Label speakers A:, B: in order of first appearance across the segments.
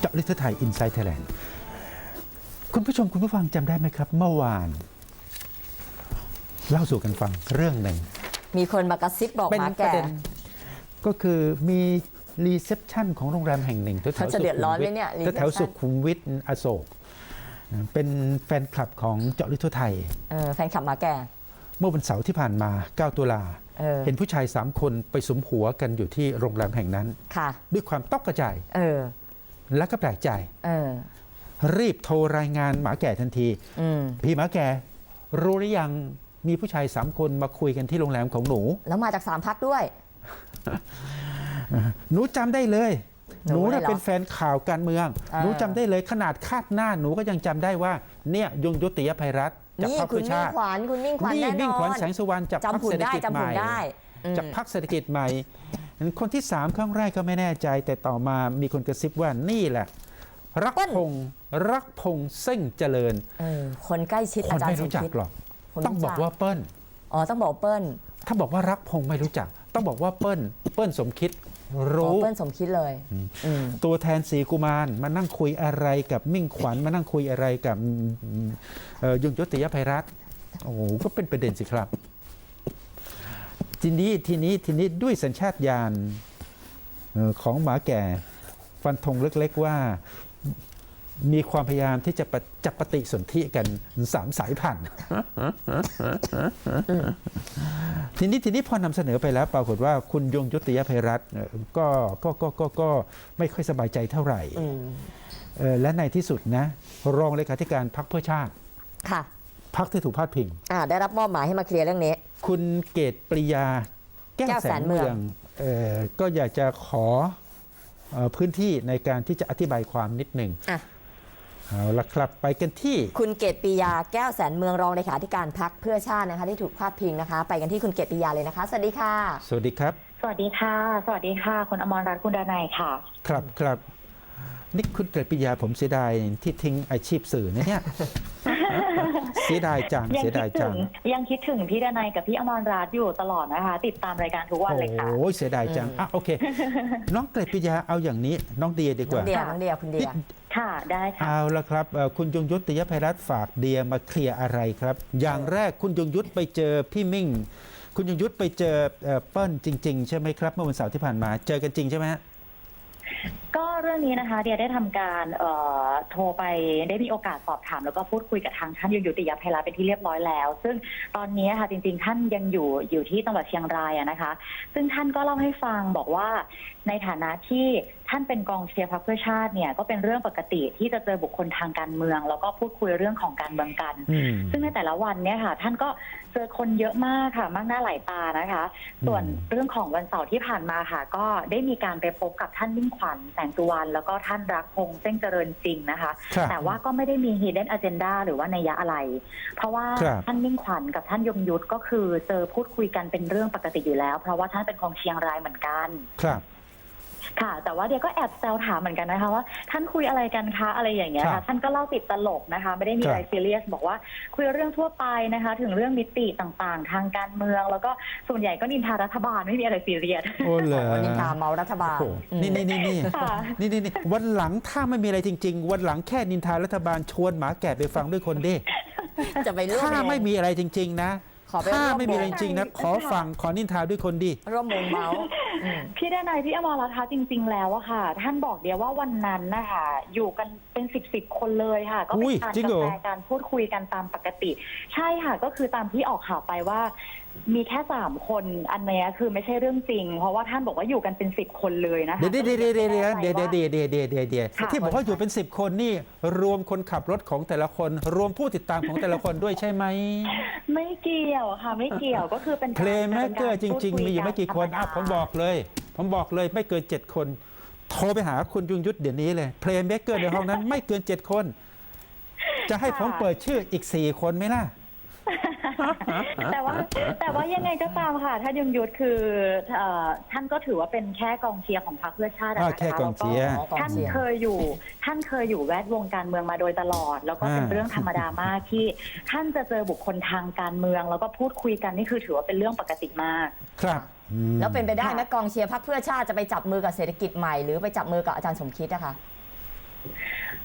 A: าะลึกทั่วไทย Inside Thailand คุณผู้ชมคุณผู้ฟังจำได้ไหมครับเมื่อวานเล่าสู่กันฟังเรื่องหนึ่ง
B: มีคนมากระซิบบอก
A: เป็น
B: หมา
A: ประ
B: แก่
A: เด็นก็คือมีรีเซพชันของโรงแรมแห่งหนึ่งแถว
B: เขาจะเดือดร้อนไหมเนี่ย
A: แถวสุขุมวิทอโศกเป็นแฟนคลับของเจาะลึกทั่วไทย
B: แฟนคลับหมาแก่
A: เมื่อวันเสาร์ที่ผ่านมา9ตุลาเห็นผู้ชาย3คนไปสุมหัวกันอยู่ที่โรงแรมแห่งนั้น
B: ค่ะ
A: ด้วยความตกกระจาย และก็แปลกใจ รีบโทรรายงานหมาแก่ทันทีพี่หมาแก่รู้หรือยังมีผู้ชาย3คนมาคุยกันที่โรงแรมของหนู
B: แล้วมาจาก3 พรรคด้วย
A: หนูจำได้เลย หนู
B: เลยเหรอ
A: เป็นแฟนข่าวการเมือง หนูจำได้เลยขนาดคาดหน้าหนูก็ยังจำได้ว่าเนี่ยยงยุติยภัยรัฐจาก
B: นี่
A: พรรค
B: คุ
A: เพื่
B: ณ
A: อ
B: มิ่
A: ชาง ติ
B: ขวัญคุณมิ่งขวัญ
A: นี่
B: แน่น
A: มิ่งขวัญ
B: อน
A: แสงสุวรรณจากพรรค
B: จำหุ่
A: เศร
B: น
A: ษฐ
B: ได้
A: กิจ
B: จำ
A: ให
B: หุ่
A: ม่
B: นได้
A: จากพรรคเศรษฐกิจใหม่คนที่3ครั้งแรกก็ไม่แน่ใจแต่ต่อมามีคนกระซิบว่านี่แหละรักพงษ์เส้งเจริญ
B: คนใกล้ชิด
A: ค
B: อาน จาร
A: ไม่
B: ย์สม
A: รู้จัก
B: คิด
A: หรอก
B: คน
A: ต้องบอกว่าเปิ้ล
B: ต้องบอกเปิ้ล
A: ถ้าบอกว่ารักพงษ์ไม่รู้จัก ต้องบอกว่าเปิ้ลสมคิดรู้
B: เปิ้ลสมคิดเลย
A: ตัวแทนสีกุมารมานั่งคุยอะไรกับมิ่งขวัญมานั่งคุยอะไรกับยงยุติยภัยรัฐโอ้โหก็เป็นประเด็นสิครับ ทีนี้ด้วยสัญชาตญาณของหมาแก่ฟันธงเล็กๆว่ามีความพยายามที่จะจับปฏิสนธิกัน3 สายพันธุ์ ทีนี้พอนำเสนอไปแล้วปรากฏว่าคุณยงยุติยภัยรัฐก็ไม่ค่อยสบายใจเท่าไหร่และในที่สุดนะรองเลขาธิการพรรคเพื่อชาติ
B: ค่ะ
A: พรรคที่ถูกพาดพิง
B: ได้รับมอบหมายให้มาเคลียร์เรื่องนี้
A: คุณเกตปริยาแก้วแสนเมืองก็อยากจะขอพื้นที่ในการที่จะอธิบายความนิดหนึ่งเอาละครับไปกันที่
B: คุณเกตปิยาแก้วแสนเมืองรองเลขาธิการพรรคเพื่อชาตินะคะที่ถูกพาดพิงนะคะ ไปกันที่คุณเกตปิยาเลยนะคะสวัสดีค่ะ
A: สวัสดีครับ
C: สวัสดีค่ะ สวัสดีค่ะ คุณอมรรัตน์คุณดนัยค่ะ
A: ครับนี่คุณเกตปริยาผมเสียดายที่ทิ้งอาชีพสื่อเนี่ย เสียดายจัง
C: ยังคิดถึงพี่ดนัยกับพี่อมรรัตน์อยู่ตลอดนะคะ ติดตามรายการทุกวันเลยค่ะ
A: โอ้ยเสียดายจังโอเค น้องเกตปริยาเอาอย่างนี้น้องเดียดีกว่า
B: น้องเดียคุณเดีย
C: ค่ะได้ค่ะ
A: เอาละครับคุณยงยุติยภัยรัฐฝากเดียมาเคลียร์อะไรครับ อย่างแรกคุณยงยุทธไปเจอพี่มิ่ง คุณยงยุทธไปเจอเปิ้ลจริงๆใช่ไหมครับเมื่อวันเสาร์ที่ผ่านมาเจอกันจริงใช่ไหมฮะ
C: ก็เรื่องนี้นะคะเดียได้ทำการโทรไปได้มีโอกาสสอบถามแล้วก็พูดคุยกับทางท่านยงยุติยภัยรัฐเป็นที่เรียบร้อยแล้ว ซึ่งตอนนี้ค่ะจริงๆท่านยังอยู่ที่จังหวัดเชียงรายนะคะ ซึ่งท่านก็เล่าให้ฟังบอกว่าในฐานะที่ท่านเป็นกองเชียร์พรรคเพื่อชาติเนี่ยก็เป็นเรื่องปกติที่จะเจอบุคคลทางการเมืองแล้วก็พูดคุยเรื่องของการเมืองกัน ซึ่งในแต่ละวันเนี่ยค่ะท่านก็เจอคนเยอะมากค่ะมากหน้าหลายตานะคะส่วนเรื่องของวันเสาร์ที่ผ่านมาค่ะก็ได้มีการไปพบกับท่านมิ่งขวัญแสงสุวรรณแล้วก็ท่านรักพงษ์เส้งเจริญจริงนะคะแต่ว่าก็ไม่ได้มี hidden agenda หรือว่านัยยะอะไร เพราะว่าท่านมิ่งขวัญกับท่านยงยุทธก็คือเจอพูดคุยกันเป็นเรื่องปกติอยู่แล้วเพราะว่าท่านเป็นของเชียงรายเหมือนกัน
A: ครับ
C: ค่ะแต่ว่าเดี๋ยวก็แอบแซวถามเหมือนกันนะคะว่าท่านคุยอะไรกันคะอะไรอย่างเงี้ยค่ะท่านก็เล่าติดตลกนะคะไม่ได้มีอะไรซีเรียสบอกว่าคุยเรื่องทั่วไปนะคะถึงเรื่องมิติต่างๆทางการเมืองแล้วก็ส่วนใหญ่ก็นินทารัฐบาลไม่มีอะไรซีเรียส
A: โอ้เหรอ
B: นินทาเมารัฐบาล
A: นี่วันหลังถ้าไม่มีอะไรจริงๆวันหลังแค่นินทารัฐบาลชวนหมาแก่ไปฟังด้วยคนดิ
B: จะไปร่วม
A: ถ้าไม่มีอะไรจริงๆนะถ้าไม่มีอะไรจริงๆนะขอฟังขอนินทาด้วยคนดิ
B: ร่วมวงเมาส์
C: พี่ดนัยพี่อมรรัตน์จริงๆแล้วอะค่ะท่านบอกเดียวว่าวันนั้นนะคะอยู่กันเป็นสิบคนเลยค่ะก็เป็นการกาแฟการพูดคุยกันตามปกติใช่ค่ะก็คือตามที่ออกข่าวไปว่ามีแค่3 คนอันนี้คือไม่ใช่เรื่องจริงเพราะว่าท่านบอกว่าอยู่กันเป็น10 คนเลยนะคะ
A: เดี๋ยวที่บอกว่าอยู่เป็น10 คนนี่รวมคนขับรถของแต่ละคนรวมผู้ติดตามของแต่ละคนด้วยใช่ไหม
C: ไม่เกี่ยวค่ะไม่เกี่ยวก็คือเป็น
A: เพลงแมกเกอร์จริงๆมีอยู่ไม่กี่คนผมบอกเลยไม่เกิน7 คนโทรไปหาคุณยงยุทธเดี๋ยวนี้เลยเพลงแมกเกอร์ในห้องนั้นไม่เกิน7 คนจะให้ผมเปิดชื่ออีก4 คนไหมล่ะ
C: แต่ว่ายังไงก็ตามค่ะท่านยงยุทธคือท่านก็ถือว่าเป็นแค่กองเชียร์ของพรรคเพื่อชาตินะคะ
A: แค่กองเชียร์
C: ท่านเคยอยู่แวดวงการเมืองมาโดยตลอดแล้วก็เป็นเรื่องธรรมดามากที่ท่านจะเจอบุคคลทางการเมืองแล้วก็พูดคุยกันนี่คือถือว่าเป็นเรื่องปกติมาก
A: ครับ
B: แล้วเป็นไปได้ไหมกองเชียร์พรรคเพื่อชาติจะไปจับมือกับเศรษฐกิจใหม่หรือไปจับมือกับอาจารย์สมคิดนะคะ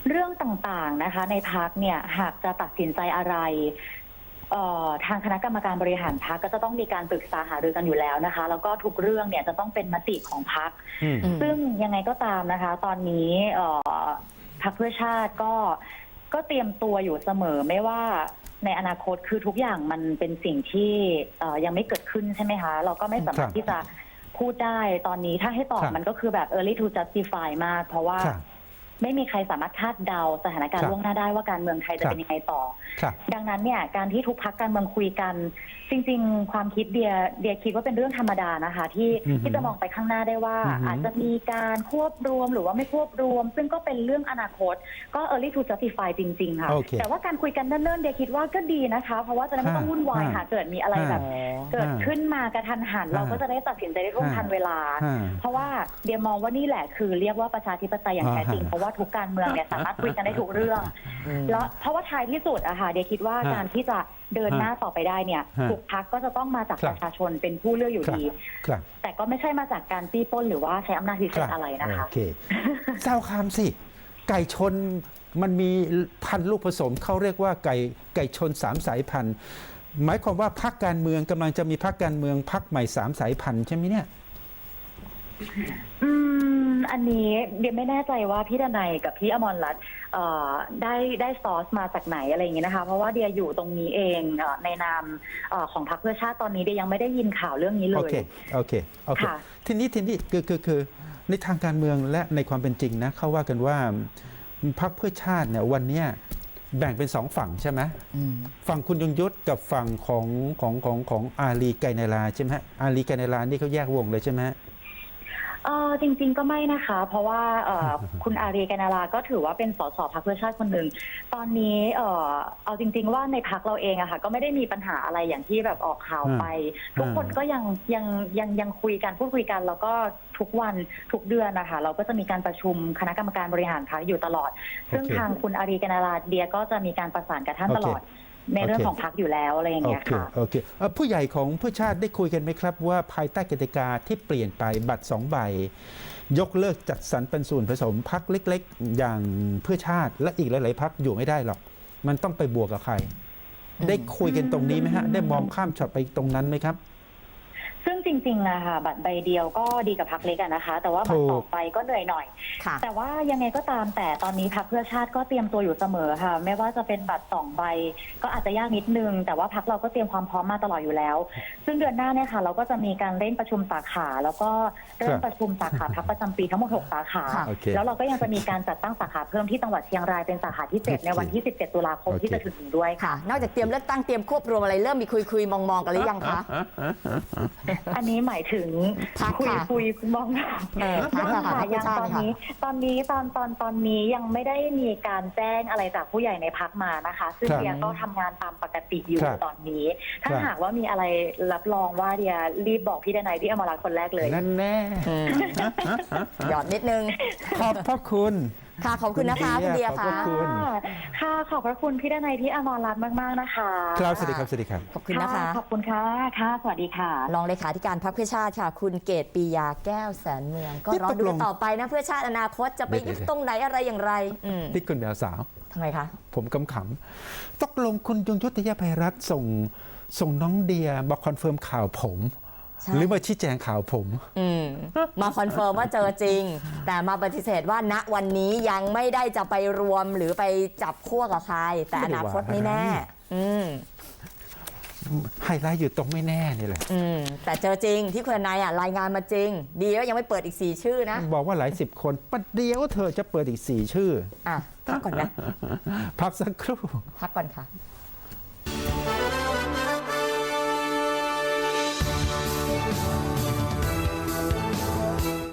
C: เรื่องต่างๆนะคะในพรรคเนี่ยหากจะตัดสินใจอะไรทางคณะกรรมการบริหารพรรคก็จะต้องมีการปรึกษาหารือกันอยู่แล้วนะคะแล้วก็ทุกเรื่องเนี่ยจะต้องเป็นมติของพรรค
A: อืม
C: ซึ่งยังไงก็ตามนะคะ ตอนนี้พรรคเพื่อชาติก็เตรียมตัวอยู่เสมอไม่ว่าในอนาคตคือทุกอย่างมันเป็นสิ่งที่ยังไม่เกิดขึ้นใช่ไหมคะเราก็ไม่สามารถที่จะพูดได้ตอนนี้ถ้าให้ตอบมันก็คือแบบ early to justify มากเพราะว่าไม่มีใครสามารถคาดเดาสถานการณ์ล่วงหน้าได้ว่าการเมืองไทยจะเป็นยังไงต่อดังนั้นเนี่ยการที่ทุกพรรคการเมืองคุยกันจริงๆความคิดเดียคิดว่าเป็นเรื่องธรรมดานะคะที่จะมองไปข้างหน้าได้ว่าอาจจะมีการควบรวมหรือว่าไม่ควบรวมซึ่งก็เป็นเรื่องอนาคตก็ early to justify จริงๆค่ะแต่ว่าการคุยกันเนิ่นๆเดียคิดว่าก็ดีนะคะเพราะว่าจะได้ไม่ต้องวุ่นวายหาเกิดมีอะไรแบบเกิดขึ้นมากระทันหันเราก็จะได้ตัดสินใจได้ร่วมทันเวลาเพราะว่าเดียมองว่านี่แหละคือเรียกว่าประชาธิปไตยอย่างแท้จริงเพราะว่าทุกการเมืองเนี่ยสามารถคุยกันได้ทุกเรื่องแล้วเพราะว่าท้ายที่สุดอะค่ะเดียคิดว่าการที่จะเดินหน้าต่อไปได้เนี่ยทุกพรรคก็จะต้องมาจากประชาชนเป็นผู้เลือกอยู่ดีแต่ก็ไม่ใช่มาจากการจี้ปล้นหรือว่าใช้อำนาจพิเศษอะไรนะคะ
A: โอเคเจ้าคำสิไก่ชนมันมีพันธุ์ลูกผสมเขาเรียกว่าไก่ชน3 สายพันธุ์หมายความว่าพรรคการเมืองกำลังจะมีพรรคการเมืองพรรคใหม่3 สายพันธุ์ใช่ไหมเนี่ย
C: อันนี้เดียไม่แน่ใจว่าพี่ดนัยกับพี่อมรรัตน์ได้ซอสมาจากไหนอะไรอย่างเงี้ยนะคะเพราะว่าเดียอยู่ตรงนี้เองในนามของพรรคเพื่อชาติตอนนี้เดียยังไม่ได้ยินข่าวเรื่องนี้เลย
A: โอเคทีนี้คือในทางการเมืองและในความเป็นจริงนะเขาว่ากันว่าพรรคเพื่อชาติเนี่ยวันเนี้ยแบ่งเป็น2 ฝั่งใช่ไหมฝั่งคุณยงยุทธกับฝั่งของอาลีไกรนาราใช่ไหมอาลีไกรนารานี่เขาแยกวงเลยใช่ไหม
C: จริงๆก็ไม่นะคะเพราะว่าคุณอารีกานาราก็ถือว่าเป็นสสพรรคเพื่อชาติคนหนึ่งตอนนี้เอาจริงๆว่าในพรรคเราเองอะค่ะก็ไม่ได้มีปัญหาอะไรอย่างที่แบบออกข่าวไปทุกคนก็ยังคุยกันพูดคุยกันแล้วก็ทุกวันทุกเดือนนะคะเราก็จะมีการประชุมคณะกรรมการบริหารพรรคอยู่ตลอดซึ่งทางคุณอารีกานาราเดียก็จะมีการประสานกับท่านตลอดในเรื่องของพรรคอยู่แล้วอะไรอย่างเงี้ยค่ะ
A: โอเคผู้ใหญ่ของเพื่อชาติได้คุยกันไหมครับว่าภายใต้กติกาที่เปลี่ยนไปบัตร2 ใบยกเลิกจัดสรรปันส่วนผสมพรรคเล็กๆอย่างเพื่อชาติและอีกหลายๆพรรคอยู่ไม่ได้หรอกมันต้องไปบวกกับใครได้คุยกันตรงนี้ไหมฮะได้มองข้ามช็อตไปตรงนั้นไหมครับ
C: ซึ่งจริงๆอะค่ะบัตรใบเดียวก็ดีกับพรรคเล็กนะคะแต่ว่าบัตรต่อไปก็เหนื่อยหน่อยแต่ว่ายังไงก็ตามแต่ตอนนี้พรรคเพื่อชาติก็เตรียมตัวอยู่เสมอค่ะไม่ว่าจะเป็นบัตร2 ใบก็อาจจะยากนิดนึงแต่ว่าพรรคเราก็เตรียมความพร้อมมาตลอดอยู่แล้วซึ่งเดือนหน้าเนี่ยค่ะเราก็จะมีการเร่งประชุมสาขาแล้วก็เริ่มประชุมสาขาพรรคประจำปีทั้งหมด6 สาขาแล้วเราก็ยังจะมีการจัดตั้งสาขาเพิ่มที่จังหวัดเชียงรายเป็นสาขาที่7ในวันที่17 ตุลาคมที่จะถึงนี้ด้วยค่ะ
B: นอกจากเตรียมเลือกตั้งเตรียมควบรวมอะไรเริ่มมีคุยมองกันหรือยังคะ
C: อันนี้หมายถึงคุยมองยังตอนนี้ยังไม่ได้มีการแจ้งอะไรจากผู้ใหญ่ในพรรคมานะคะซึ่งเดียก็ทำงานตามปกติอยู่ตอนนี้ถ้าหากว่ามีอะไรรับรองว่าเดียรีบบอกพี่ดนัยพี่อมรรัตน์คนแรกเลย
A: นั่นแน่
B: หยอดนิดนึง
A: ขอบพระคุณ
B: ค่ะขอบคุณนะคะคุณเดียค่ะ
C: ค่ะขอบพระคุณพี่ดนัยพี่อมรรัตน์มากๆนะคะ
A: ครับสวัสดีครับ
B: ขอบคุณนะคะ
C: ขอบคุณค่ะสวัสดีค่ะ
B: รองเลขาธิการพรรคเพื่อชาติค่ะคุณเกตปียาแก้วแสนเมืองก็รอดูต่อไปนะเพื่อชาติอนาคตจะไปยึดตรงไหนอะไรอย่างไร
A: ที่คุณแมวสาว
B: ทำไมคะ
A: ผมขำๆตกลงคุณยงยุทธยภัยรัตน์ส่งน้องเดียมาคอนเฟิร์มข่าวผมหรือมาชี้แจงข่าวผม
B: มาคอนเฟิร์มว่าเจอจริงแต่มาปฏิเสธว่าณวันนี้ยังไม่ได้จะไปรวมหรือไปจับขั้วกับใครแต่อนาคตไม่แน่
A: ไฮไลท์อยู่ตรงไม่แน่นี่แหละ
B: แต่เจอจริงที่คุณนายรายงานมาจริงดีว่ายังไม่เปิดอีก4 ชื่อนะ
A: บอกว่าหลาย10 คนประเดี๋ยวเธอจะเปิดอีก4 ชื่อ
B: พักก่อนนะ
A: พักสักครู่
B: พักก่อนค่ะ